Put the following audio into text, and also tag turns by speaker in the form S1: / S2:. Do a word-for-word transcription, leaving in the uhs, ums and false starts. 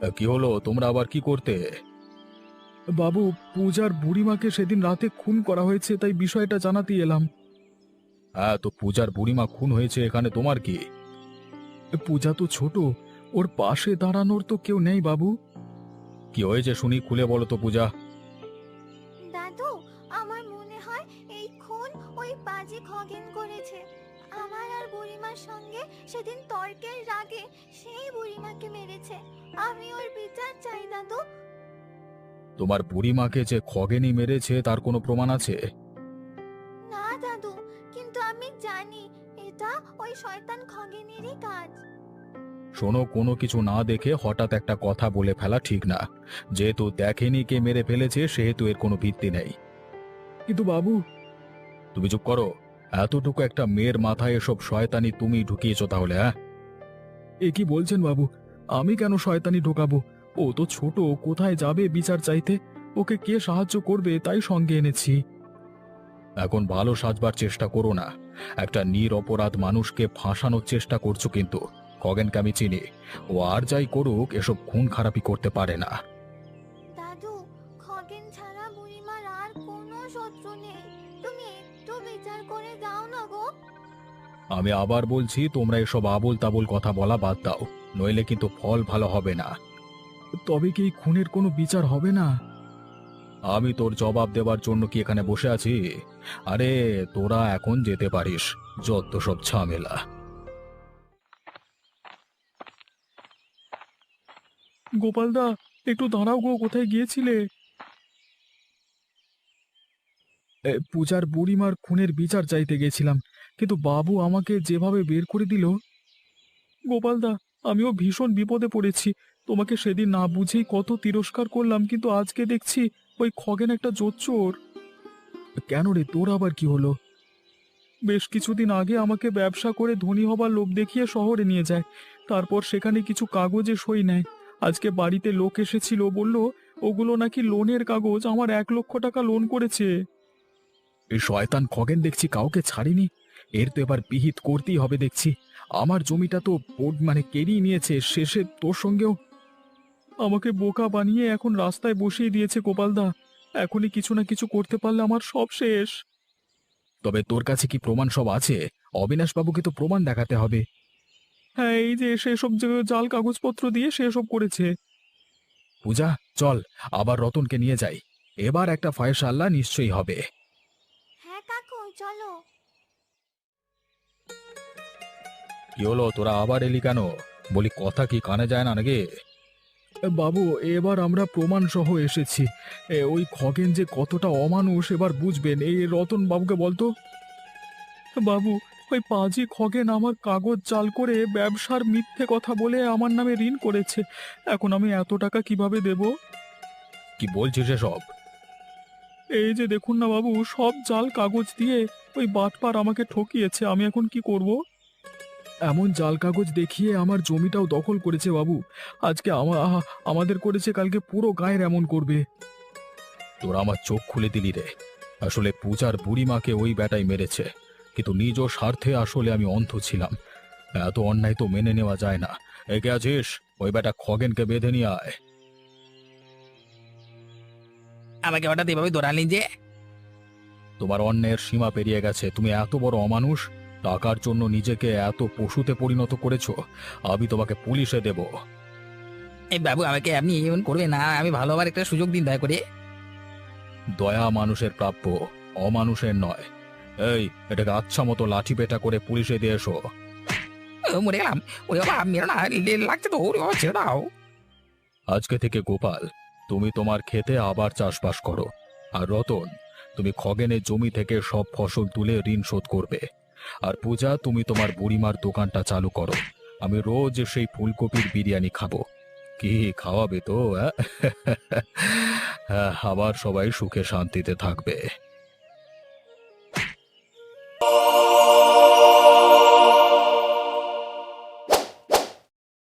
S1: কি হলো? তোমরা আবার কি করতে? বাবু, পূজার বুড়িমাকে সেদিন রাতে খুন করা হয়েছে, তাই বিষয়টা জানাতেই এলাম। হ্যাঁ, তো পূজার বুড়িমা খুন হয়েছে, এখানে তোমার কি? পূজা তো ছোট, ওর পাশে দাঁড়ানোর তো কেউ নেই বাবু। কি হয়েছে শুনি, খুলে বলো তো পূজা।
S2: দাদু, আমার মনে হয় এই খুন ওই পাজি খগেন করেছে। আমার আর বুড়িমার সঙ্গে সেদিন তর্কের রাগে সেই বুড়িমাকে মেরেছে। আমি ওর বিচার চাই দাদু।
S1: তোমার বুড়িমাকে যে খগেনি মেরেছে তার কোনো প্রমাণ আছে?
S2: না দাদু, কিন্তু আমি জানি এটা ওই শয়তান খগেনেরই কাজ।
S1: শোনো, কোনো কিছু না দেখে হঠাৎ একটা কথা বলে ফেলা ঠিক না। যেহেতু দেখেনি কে মেরে ফেলেছে, সেহেতু এর কোনো ভিত্তি নেই। কিন্তু বাবু, তুমি চুপ করো। এতটুকু একটা মেয়ের মাথায় এসব শয়তানি তুমি ঢুকিয়েছো তাহলে? হ্যাঁ, এ কি বলছেন বাবু? আমি কেন শয়তানি ঢোকাবো? ও তো ছোট, কোথায় যাবে বিচার চাইতে? ওকে কে সাহায্য করবে, তাই সঙ্গে এনেছি। এখন ভালো সাজবার চেষ্টা করো না। একটা নিরপরাধ মানুষকে ফাঁসানোর চেষ্টা করছো কিন্তু। খগেনকে আমি চিনি, ও আর যাই করুক এসব খুন খারাপি করতে পারে না।
S2: দাদু, খগেন ছাড়া বুড়িমার আর কোনো শত্রু নেই। তুমি একটু বিচার করে দাও না গো।
S1: আমি আবার বলছি, তোমরা এসব আবোল তাবোল কথা বলা বাদ দাও, নইলে কিন্তু ফল ভালো হবে না। তবে কি এই খুনের কোনো বিচার হবে না? আমি তোর জবাব দেবার জন্য কি এখানে বসে আছি? আরে, তোরা এখন যেতে পারিস। যত সব ঝামেলা। গোপালদা, একটু দাঁড়াও গো, কোথায় গিয়েছিলে? এ, পূজার বুড়িমার খুনের বিচার চাইতে গেছিলাম, কিন্তু বাবু আমাকে যেভাবে বের করে দিল। গোপালদা, আমিও ভীষণ বিপদে পড়েছি। তোমাকে সেদিন না বুঝেই কত তিরস্কার করলাম, কিন্তু আজকে দেখছি ওই খগেন একটা জোচ্চোর। কেন রে, তোর আবার কি হলো? বেশ কিছুদিন আগে আমাকে ব্যবসা করে ধনী হবার লোভ দেখিয়ে শহরে নিয়ে যায়। তারপর সেখানে কিছু কাগজে সই নেয়। আজকে বাড়িতে লোক এসেছিল, বলল ওগুলো নাকি লোনের কাগজ, আমার এক লক্ষ টাকা লোন করেছে। এই শয়তান খগেন দেখছি কাউকে ছাড়িনি। এর তো এবার বিহিত করতেই হবে দেখছি। আমার জমিটা তো বোর্ড মানে কেড়িয়ে নিয়েছে, শেষে তোর সঙ্গেও। আমাকে বোকা বানিয়ে এখন রাস্তায় বসিয়ে দিয়েছে গোপালদা। এখনই কিছু না কিছু করতে পারলে আমার সব শেষ। তবে তোর কাছে কি প্রমাণ সব আছে? অবিনাশ বাবুকে তো প্রমাণ দেখাতে হবে। হ্যাঁ, এই যে সেসব যে জাল কাগজপত্র দিয়ে সেসব করেছে। পূজা, চল আবার রতনকে নিয়ে যাই। এবার একটা ফয়সালা নিশ্চয়ই হবে।
S2: হ্যাঁ কাকু, চলো।
S1: কি হলো, তোরা আবার এলি কেন? বলি, কথা কি কানে যায় না নাকি? বাবু, এবার আমরা প্রমাণ সহ এসেছি। এ, ওই খগেন যে কতটা অমানুষ এবার বুঝবেন। এই রতন বাবুকে বলতো। বাবু, ওই পাজি খগেন আমার কাগজ জাল করে ব্যবসার মিথ্যে কথা বলে আমার নামে ঋণ করেছে। এখন আমি এত টাকা কিভাবে দেব? কি বলছিস এসব? এই যে দেখুন না বাবু, সব জাল কাগজ দিয়ে ওই বাটপার আমাকে ঠকিয়েছে। আমি এখন কি করব? এমন জাল কাগজ দেখিয়ে আমার জমিটাও দখল করেছে বাবু। আজকে আমা আহা- আমাদের করেছে, কালকে পুরো গায়ের এমন করবে। তোরা আমার চোখ খুলে দিলি রে। আসলে পূজার বুড়িমাকে ওই ব্যাটাই মেরেছে, কিন্তু নিজ স্বার্থে আসলে আমি অন্ধ ছিলাম। এত অন্যায় তো মেনে নেওয়া যায় না। একে আছিস, ওই ব্যাটা খগেনকে বেঁধে নিয়ে আয়।
S3: আমাকে হঠাৎ এভাবে দৌড়ালি যে?
S1: তোমার অন্যায়ের সীমা পেরিয়ে গেছে। তুমি এত বড় অমানুষ, টাকার জন্য নিজেকে এত পশুতে পরিণত করেছো। আমি তোমাকে পুলিশে দেব।
S3: এই বাবু, আমাকে আপনি এমন করবেন না। আমি ভালোবার একটা সুযোগ দিন দয়া করে।
S1: দয়া মানুষের প্রাপ্য, অমানুষের নয়। এই, এটাকে আচ্ছা মতো লাঠি পেটা করে পুলিশে দিয়ে এসো।
S3: ও, মরে গেলাম। ওরে বাবা, মেরো না, লে- লাগছে তো। ওরে বাবা, ছেড়ে দাও।
S1: আজকে থেকে গোপাল, তুমি তোমার ক্ষেতে আবার চাষবাস করো। আর রতন, তুমি খগেনের জমি থেকে সব ফসল তুলে ঋণ শোধ করবে। আর পূজা, তুমি তোমার বুড়িমার দোকানটা চালু করো। আমি রোজ সেই ফুলকপির বিরিয়ানি খাবো। কি খাওয়াবে তো? অ্যাঁ? হ্যাঁ, আবার সবাই সুখে শান্তিতে থাকবে।